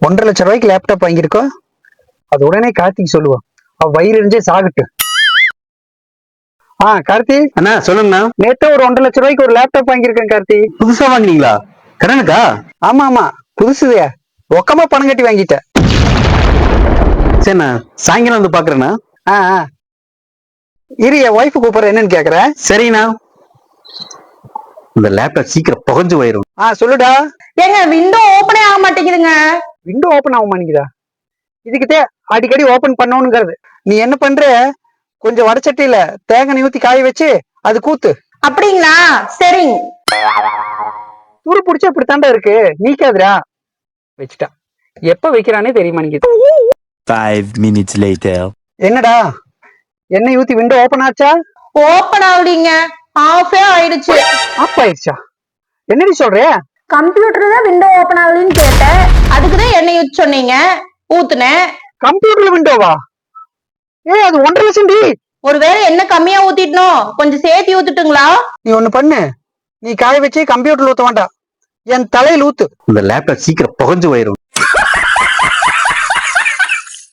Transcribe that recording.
1,50,000 laptop வாங்கியிருக்கோம். அது உடனே கார்த்திக் சொல்லுவோம். அவ வயிறு எரிஞ்சே சாகட்டு. கார்த்தி அண்ணா சொல்லுங்கண்ணா. நேத்து ஒரு 1,50,000 ஒரு லேப்டாப் வாங்கியிருக்கேன் கார்த்தி. புதுசா வாங்கினீங்களா? கடனுக்கா? ஆமா புதுசுதே. ரொக்கமா பணம் கட்டி வாங்கிட்டேன். சரிண்ணா, சாயங்காலம் வந்து பாக்குறேண்ணா. இரு, என் ஒய்ஃபு கூப்பிடுற, என்னன்னு கேக்குற. சரிண்ணா. இந்த லேப்டாப் சீக்கிரம் புகஞ்சு போயிரும். சொல்லுடா. ஏங்க விண்டோ ஓபனே ஆக மாட்டேங்குதுங்க. விண்டோ ஓபன் ஆக மாட்டேங்குதா? இதுக்கிட்டே அடிக்கடி ஓபன் பண்ணணுங்கிறது. நீ என்ன பண்ற, கொஞ்சம் வடச்சட்டியில தேங்காய் ஊத்தி காய வச்சு அது கூத்து. அப்படிங்களா? சரிங்க. துரு பிடிச்சா இப்படித்தாண்டா இருக்கு, நீக்காதுடா. வச்சுட்டா. எப்ப வைக்கிறானே தெரிய மாட்டேங்குது. 5 minutes later. என்னடா, எண்ணெய் ஊத்தி விண்டோ ஓபன் ஆச்சா? ஓபன் ஆகலீங்க, ஆஃபே ஆயிடுச்சு. ஆஃப் ஆயிடுச்சா? என்னடி சொல்ற? கம்ப்யூட்டர் தான் விண்டோ ஓபன் ஆகலன்னு கேட்டேன், அதுக்குதான் எண்ணெய் ஊத்தி சொன்னீங்க, ஊத்துனேன். கம்ப்யூட்டர்ல விண்டோவா? அது 1,50,000. ஒருவேளை என்ன கம்மியா ஊத்திட்டணும், கொஞ்சம் சேர்த்து ஊத்துட்டுங்களா? நீ ஒண்ணு பண்ணு, நீ காய வச்சு கம்ப்யூட்டர்ல ஊத்த வேண்டாம், என் தலையில ஊத்து. இந்த லேப்டாப் சீக்கிரம் புகஞ்சு போயிரும்.